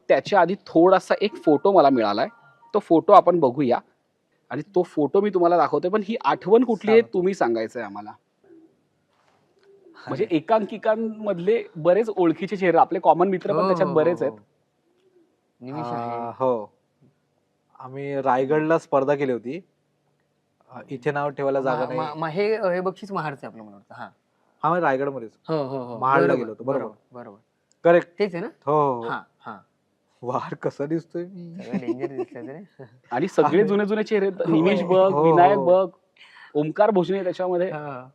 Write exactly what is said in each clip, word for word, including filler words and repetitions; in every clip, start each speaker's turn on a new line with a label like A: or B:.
A: त्याच्या आधी थोडासा एक फोटो मला मिळालाय, तो फोटो आपण बघूया आणि तो फोटो मी तुम्हाला दाखवतोय. पण ही आठवण कुठली आहे तुम्ही सांगायचंय आम्हाला. म्हणजे एकांकिकांमधले बरेच ओळखीचे चेहरे, आपले कॉमन मित्र पण त्याच्यात बरेच आहेत.
B: निमिष आहे.
C: हो, आम्ही रायगडला स्पर्धा केली होती. इथे नाव ठेवायला जागा नाही.
B: हे हे बक्षीस महाडचं आपलं मला वाटतं. हा
C: हा मी रायगडमध्येच
B: हो हो हो
C: महाडला गेलो होतो. बरोबर
B: बरोबर
C: करेक्ट
B: तेच आहे ना.
C: हो हो
B: हा हा
C: वार कसा दिसतोय मी.
B: डेंजर दिसतंय रे.
A: आणि सगळे जुने जुने चेहरे, निमेश बघ,
C: हो,
A: विनायक
C: हो.
A: बघ, ओमकार भोजने त्याच्यामध्ये.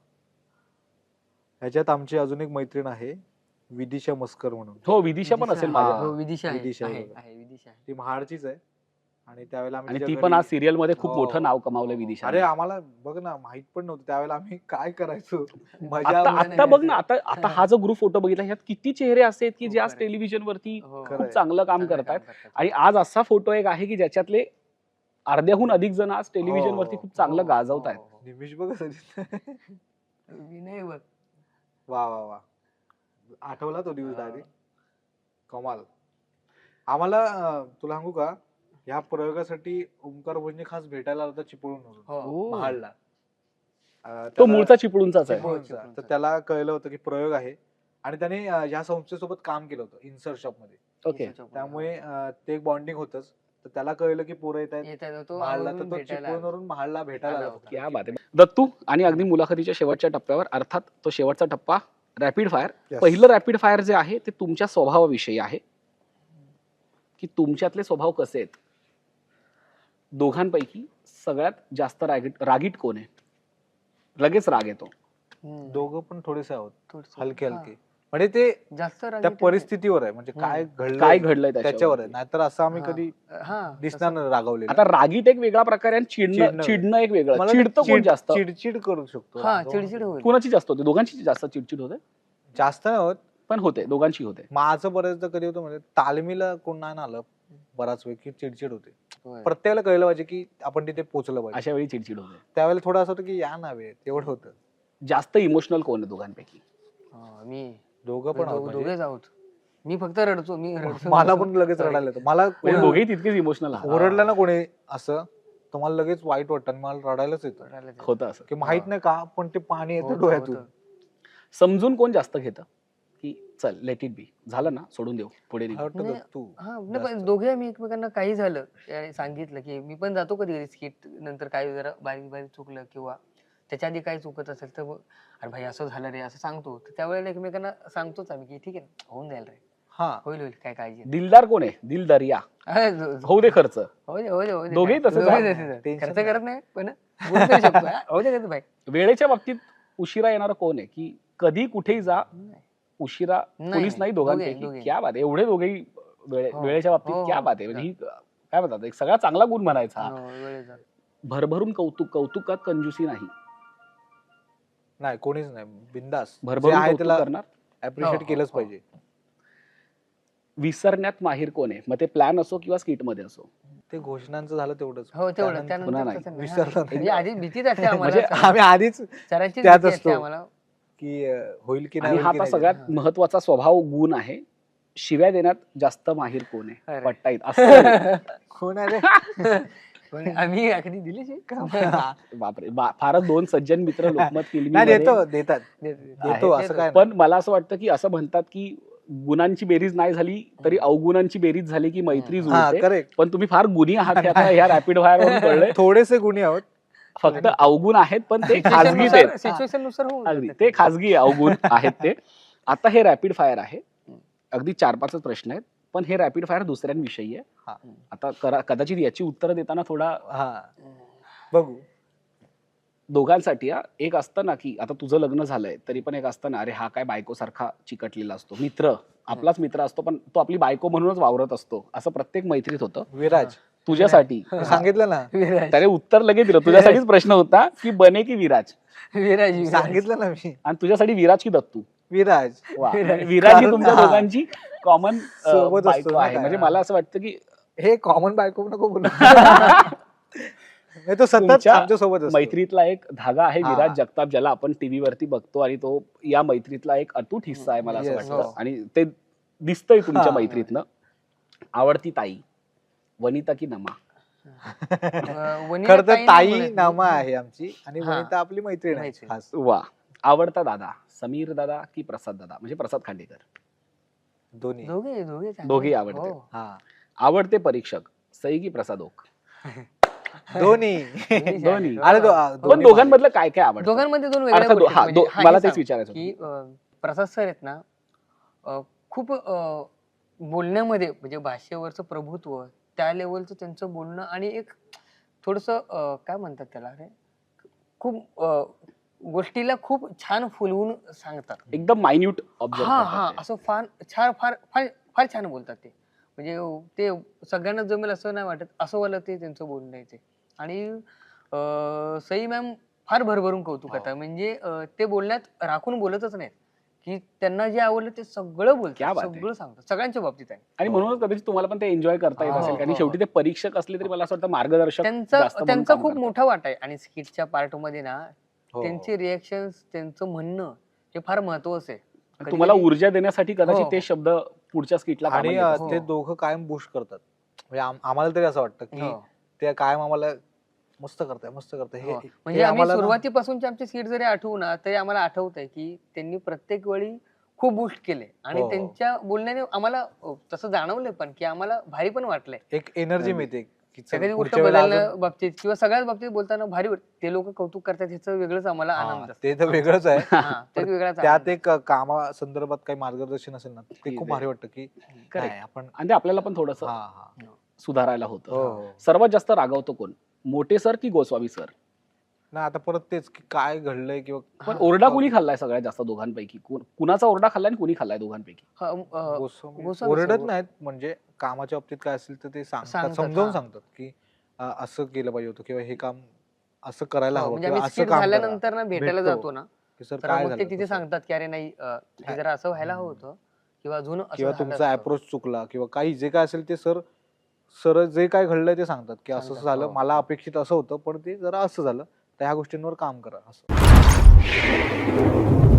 C: ह्याच्यात आमची अजून एक मैत्रीण आहे, विदिशा मस्कर म्हणून.
A: हो, विदिशा पण असेल माझ्या.
B: हो विदिशा आहे.
C: विदिशा
B: आहे
C: आहे.
B: आहे, विदिशा आहे.
C: ती महाडचीच आहे. आणि त्यावेळेला आम्ही
A: आणि
C: तिच्या
A: ती
C: घरी-
A: पण आज सिरियल मध्ये खूप
C: हो.
A: मोठं नाव कमावलं विदिशा.
C: अरे आम्हाला बघ ना, माहित पण नव्हतं त्यावेळेला आम्ही काय करायचो. मजा
A: आता
C: आम्हाला
A: आता बघ ना, आता आता हा जो ग्रुप फोटो बघितला, ह्यात किती चेहरे असे आहेत की जे आज
B: खरंय.
A: टेलिव्हिजन वरती
B: हो.
A: खूप
C: खरंय.
A: चांगलं काम
B: चांगलं
A: करतायत.
B: करतात.
A: आणि आज असा फोटो एक आहे की ज्याच्यातले अर्ध्याहून अधिक जण आज टेलिव्हिजन
C: हो,
A: वरती खूप चांगलं
B: हो,
A: गाजवत आहेत.
B: हो, हो.
C: निमिष बघ कसं दिसतंय.
B: विनय बघ.
C: वा वा वा आठवला तो दिवस
B: हा.
C: डायरेक्ट कमाल. आम्हाला अं, तुला सांगू का, या प्रयोगासाठी ओमकार भोजने खास भेटायला आला होता चिपळूण
B: हो.
A: हो.
C: महाडला. अं,
A: तो
C: त्याला-
A: मूळचा चिपळूणचाच आहे.
B: हो,
C: चिपळूणचा. तर
B: चिपळूणचा.
C: त्याला कळलं होतं की प्रयोग आहे आणि त्याने अं, या संस्थेसोबत काम केलं होतं इन्सर्ट शॉप मध्ये.
A: ओके.
C: त्यामुळे अं, ते एक बॉन्डिंग होतच. तर त्याला कळलं की पोरं येत आहेत
B: येतात तो
C: महाडला, तर
B: आवर्जून
C: तो
B: भेटायला
C: चिपळूणवरून महाडला भेटायला आला
B: आला
C: होता.
A: क्या बात आहे. दत्तू, आणि अगदी मुलाखतीच्या शेवटच्या टप्प्यावर, अर्थात तो शेवटचा टप्पा रॅपिड फायर.
C: Yes.
A: पहिलं रॅपिड फायर जे आहे ते तुमच्या स्वभावाविषयी आहे की तुमच्यातले स्वभाव कसे आहेत. दोघांपैकी सगळ्यात जास्त रागीट रागीट कोण आहे? लगेच राग येतो.
B: हम्म.
C: दोघं पण थोडेसे आहोत,
B: थोडंसं.
C: हलके
B: हा.
C: हलके. म्हणजे ते
B: जास्त
C: त्या
B: रागीट आहे.
C: परिस्थितीवर आहे, म्हणजे काय घडलं
A: काय घडलंय
C: त्याच्यावर
A: त्याच्यावर
C: आहे. नाहीतर असं आम्ही
B: हा.
C: कधी
B: हा
C: दिसणार नाही रागावलेलं.
A: आता रागीट एक वेगळा प्रकार आहे आणि चिडणं
C: चिडणं.
A: चिडणं एक वेगळं.
C: मला ते
A: चिडतं कोण
C: चिड-
A: जास्त?
C: चिडचिड करू शकतो.
B: हा
C: रागावून.
B: चिडचिड होईल.
A: कोणाची जास्त होते? दोघांची जास्त चिडचिड होते.
C: जास्त नाही होत.
A: पण होते, दोघांची होते.
C: माझं बऱ्याचदा कधी होतं म्हणजे तालमीला कोण नाही ना आलं बराच वेळ की चिडचिड होते.
B: होय.
C: प्रत्येकाला कळलं पाहिजे की आपण तिथे पोहोचलं पाहिजे.
A: अशा वेळी चिडचिड होते.
C: त्यावेळेला थोडं असं होतं की या ना वेळ तेवढं होतं.
A: जास्त इमोशनल कोण आहे दोघांपैकी?
B: हा, मी
C: दोघं पण आहोत
B: दो-
C: म्हणजे.
B: दोघेच आहोत. मी फक्त रडतो. मी रडतो.
C: मला पण लगेच रडायला येतं. मला
A: म्हणजे
C: कोणी
A: दोघेही तितकेच इमोशनल
C: ओरडलं ना कोणी असं, तर मला लगेच वाईट वाटतं आणि मला रडायलाच येतं
B: रडायला येतं.
A: होतं असं.
C: की माहित नाही का, पण ते पाणी येतं
B: होतं,
C: डोळ्यातून.
B: होतं.
A: समजून कोण जास्त घेतं की चल लेट इट बी, झालं ना, सोडून देऊ, पुढे
C: मला
A: निघू.
C: वाटतं
B: नाही,
C: का तू
B: हा नाही, पण
C: जास्त.
B: दोघे आम्ही एकमेकांना काही झालं आणि सांगितलं की मी पण जातो कधी कधी स्किट नंतर काही जरा बारीक बारीक चुकलं किंवा त्याच्या आधी काही चुकत असेल तर मग अरे भाई असं झालं रे असं सांगतो. तर त्यावेळेला एकमेकांना सांगतोच आम्ही की ठीक आहे ना, होऊन जाईल रे,
C: हा
B: होईल होईल काय काळजी नाही.
A: दिलदार कोण आहे? दिल दरिया.
B: अरे, जो- जो-
A: होऊ दे खर्च.
B: होऊ दे, होऊ दे, होऊ दे.
A: दोघेही
B: काय-
A: तसेच
B: दोघेही
A: आहेत.
B: तसेच आहेत.
C: Tension
B: खर्च
C: नाही.
B: करत नाही पण बोलू तरी शकतो. हा, होऊ दे भाई.
A: वेळेच्या बाबतीत उशिरा येणार कोण आहे? की कधी कुठेही जा, उशिरा
B: नाही,
A: पोलीस
B: नाही.
A: नाही दोघांपैकी.
B: दोघे- दोघे.
A: क्या बात आहे. एवढे दोघेही वेळे-
B: हो.
A: वेळेच्या बाबतीत
B: हो,
A: क्या
B: हो.
A: बात आहे. म्हणजे ही काय म्हणतात, एक सगळा चांगला गुण म्हणायचा हा.
B: हो, वेळेचा.
A: भरभरून कौतुक, कौतुकात कंजूसी नाही.
C: नाही कोणीच नाही, बिंदास
A: भरभरून
C: आहे
A: कौतुक
C: त्याला
A: करणार.
C: अप्रिशिएट
B: हो,
C: केलंच
B: हो.
C: पाहिजे.
A: विसरण्यात माहीर कोण आहे? मग ते प्लॅन असो किंवा स्किट मध्ये असो.
C: ते घोषणांचं झालं तेवढंच.
B: हो तेवढं
C: त्यानंतर
B: त्यानंतर
A: पुन्हा नाही.
B: तसं नाही.
C: विसरलं
B: हा.
C: नाही.
B: म्हणजे आधी भीतीच असते
A: म्हणजे
B: आम्हाला.
C: आम्ही आधीच
B: सरांची
C: त्यात
B: भीती असते
C: असतो.
B: आम्हाला.
C: की अं, होईल की नाही
A: आणि
C: होईल
A: हा
C: की
A: आता
C: नाही.
A: सगळ्यात महत्वाचा स्वभाव गुण आहे. शिव्या देण्यात जास्त माहीर कोण आहे?
B: अरे.
A: पट्टाईत असं.
C: कोण आहे रे?
B: पण आम्ही अगदी दिली
A: बापरे, बा- फारच दोन सज्जन मित्र लोकमत फिल्मी
C: नाही
A: मध्ये
C: देतो देतात देतो
A: आहे.
C: असं काय नाही.
A: पण मला असं वाटतं की असं म्हणतात की गुणांची बेरीज नाही झाली तरी अवगुणांची बेरीज झाली की मैत्री
C: हा
A: जुळते.
C: करेक्ट.
A: पण तुम्ही फार गुणी आहात हे आता ह्या रॅपिड फायर कळलंय.
C: थोडेसे गुन्हे आहोत.
A: फक्त अवगुण आहेत पण ते खाजगीच आहेत.
B: सिच्युएशन नुसार होऊन
A: अगदी
B: जातं.
A: ते खाजगी अवगुण आहेत ते. आता हे रॅपिड फायर आहे. अगदी चार पाचच प्रश्न आहेत पण हे रॅपिड फायर दुसऱ्यांविषयी आहे.
C: हा.
A: आता करा- कदाचित याची उत्तरं देताना थोडा
C: हा बघू.
A: दोघांसाठी हा, एक असतं ना की आता तुझं लग्न झालंय तरी पण एक असतं ना, अरे हा काय बायको सारखा चिकटलेला असतो. मित्र आपलाच मित्र असतो पण तो आपली बायको म्हणूनच वावरत असतो. असं प्रत्येक मैत्रीत होतं.
C: विराज
A: तुझ्यासाठी
C: मी सांगितलं ना
B: विराज
A: त्याने उत्तर लगेच दिलं. तुझ्यासाठीच प्रश्न होता की बने की विराज,
B: विराज विराज.
C: सांगितलं ना मी
A: आणि तुझ्यासाठी विराज की दत्तू.
C: विराज.
A: वा.
B: विराज.
A: विराज ही
C: कारण-
A: तुमच्या
C: हा.
A: दोघांची कॉमन
C: सोबत असतो
A: बायको
C: ना
A: आहे.
C: काय.
A: म्हणजे मला असं वाटतं की
C: हे कॉमन बायको नको बोलू. नाही तो सतत
A: तुमच्या
C: आमच्या सोबत असतो.
A: मैत्रीतला एक धागा आहे
C: हा.
A: विराज जगताप, ज्याला आपण टीव्ही वरती बघतो आणि तो या मैत्रीतला एक अतूट हिस्सा आहे मला असं
C: Yes.
A: वाटतं.
B: हो.
A: आणि ते दिसतंय तुमच्या
C: हा.
A: मैत्रीतनं. आवडती ताई वनिता की नमा?
B: अं, वनिता
C: खर तर
B: ताई नाही
C: ताई
B: म्हणत मी.
C: नामा आहे आमची आणि
B: हा.
C: वनिता आपली मैत्रीण आहे
B: मैत्रीण.
C: खास.
A: वा. आवडता दादा समीर दादा की प्रसाद दादा म्हणजे प्रसाद खांडेकर?
C: दोन्ही
B: दोघे दोघे चांगले.
A: दोघेही आवडते.
B: हो.
C: हा
A: आवडते परीक्षक सई की प्रसाद ओक?
C: दोन्ही
B: दोन्ही
A: दोन्ही.
B: छान.
C: अरे दो-
B: हो.
A: पण
C: दोन्ही
A: दोघांमधलं काय काय आवडतं?
B: दोघांमध्ये दोन वेगळ्या
A: अर्थात दो-
B: गोष्टी
A: हा,
B: आहेत.
A: दो-
B: म्हणजे हा,
A: मला
B: हे
A: तेच
B: सांग
A: विचारायचं
B: की अं, प्रसाद सर आहेत ना अं, खूप अं, बोलण्यामध्ये म्हणजे भाषेवरचं प्रभुत्व त्या लेवलचं त्यांचं बोलणं आणि एक थोडस काय म्हणतात त्याला रे खूप अं, गोष्टीला खूप छान फुलवून सांगतात.
A: एकदम मायन्यूट
B: हा हा
A: ऑब्झर्व
B: असं फार छान फार फार फार छान बोलतात ते म्हणजे ते सगळ्यांना जमेल असं नाही वाटत असं वाला ते त्यांचं बोलणं आहे ते. आणि अं, सई मॅम फार भरभरून कौतुक
C: हो.
B: करतात म्हणजे अं, ते बोलण्यात राखून बोलतच नाहीत की त्यांना जे आवडलं ते सगळं बोलतात
A: क्या बात आहे.
B: सगळं सांगतात सगळ्यांच्या बाबतीत आहे.
A: आणि म्हणूनच कदाचित तुम्हाला पण ते एन्जॉय करता येत
C: हो,
A: असेल
B: हो,
A: आणि
B: हो.
A: शेवटी ते परीक्षक असले तरी मला असं वाटतं मार्गदर्शक
B: त्यांचा
A: जास्त म्हणून
B: त्यांचा
A: काम
B: खूप
A: करतात.
B: मोठा वाटा आहे आणि स्किटच्या पार्ट मध्ये ना
C: हो.
B: त्यांचे रिएक्शन त्यांचं म्हणणं हे फार महत्वाचं आहे.
A: आणि तुम्हाला
B: कधी-कधी-
A: ऊर्जा देण्यासाठी कदाचित
B: हो.
A: ते शब्द पुढच्या स्किटला
C: आणि
A: कामाला
C: अं,
A: येतात.
C: ते
B: हो.
C: दोघं कायम बुश करतात म्हणजे आम- आम्हाला तरी असं वाटतं की
B: हो.
C: ते कायम आम्हाला मस्त करताय मस्त करताय हे
B: हो.
C: हे
B: म्हणजे आम्ही
C: आम्हाला ना-
B: सुरुवातीपासूनचे आमचे सीट जरी आठवू ना तरी आम्हाला आठवत आहे की त्यांनी प्रत्येक वेळी खूप बूस्ट केले आणि
C: हो.
B: त्यांच्या बोलण्याने आम्हाला अ, तसं जाणवलंय पण की आम्हाला भारी पण वाटलंय
C: एक एनर्जी मिळते की चल,
B: एखादी गोष्ट
C: पुढच्या वेळेला
B: बदलण्या
C: अजून-
B: बाबतीत किंवा सगळ्याच बाबतीत बोलताना भारी वाट- ते लोक कौतुक करतात ह्याचं वेगळंच आम्हाला
C: हा,
B: आनंद असतो.
C: ते तर वेगळंच आहे
B: हा, ते एक
C: पण
B: वेगळाच
C: त्यात
B: आनंद
C: एक कामा संदर्भात काही मार्गदर्शन असेल ना ते
A: ठीक
C: खूप
A: आहे.
C: भारी वाटतं की
A: Correct.
C: नाही आपण
A: आणि ते आपल्याला पण थोडस
C: हा हा
A: सुधारायला
C: हो
A: होतं.
C: हो
A: सर्वात जास्त रागवतो कोण? मोठे सर की गोस्वामी सर?
C: नाही आता परत तेच की काय घडलंय किंवा
A: पण
B: हा.
A: ओरडा कुणी खाल्लाय सगळ्यात जास्त दोघांपैकी? कुण- कुणाचा ओरडा खाल्लाय आणि कुणी खाल्लाय दोघांपैकी?
B: हा, अ,
C: गोस्वामी
B: गोस्वामी
C: ओरडत
B: सर-
C: नाहीत म्हणजे कामाच्या बाबतीत काय असेल तर ते सांगतात
B: सांगतात,
C: समजावून
B: हा.
C: सांगतात की अं, असं केलं पाहिजे होतं किंवा हे काम असं करायला
B: हो,
C: हवं
B: म्हणजे
C: किंवा
B: आम्ही
C: असं
B: skit
C: काम करा.
B: झाल्यानंतर ना भेटायला
C: भेटतो.
B: जातो ना
C: की सर
B: तर
C: काय
B: मग ते
C: झालं
B: तिथे
C: तसं?
B: सांगतात की अरे नाही अ, हे जरा असं व्हायला हवं होतं किंवा अजून असं
C: किंवा
B: झालं
C: तुमचा
B: असतं.
C: अप्रोच चुकला किंवा काही जे काय असेल ते सर सर जे काय घडलंय ते सांगतात की असं
B: सांगतात,
C: झालं
B: हो.
C: मला अपेक्षित असं होतं पण ते जरा असं झालं तर ह्या गोष्टींवर काम करा असं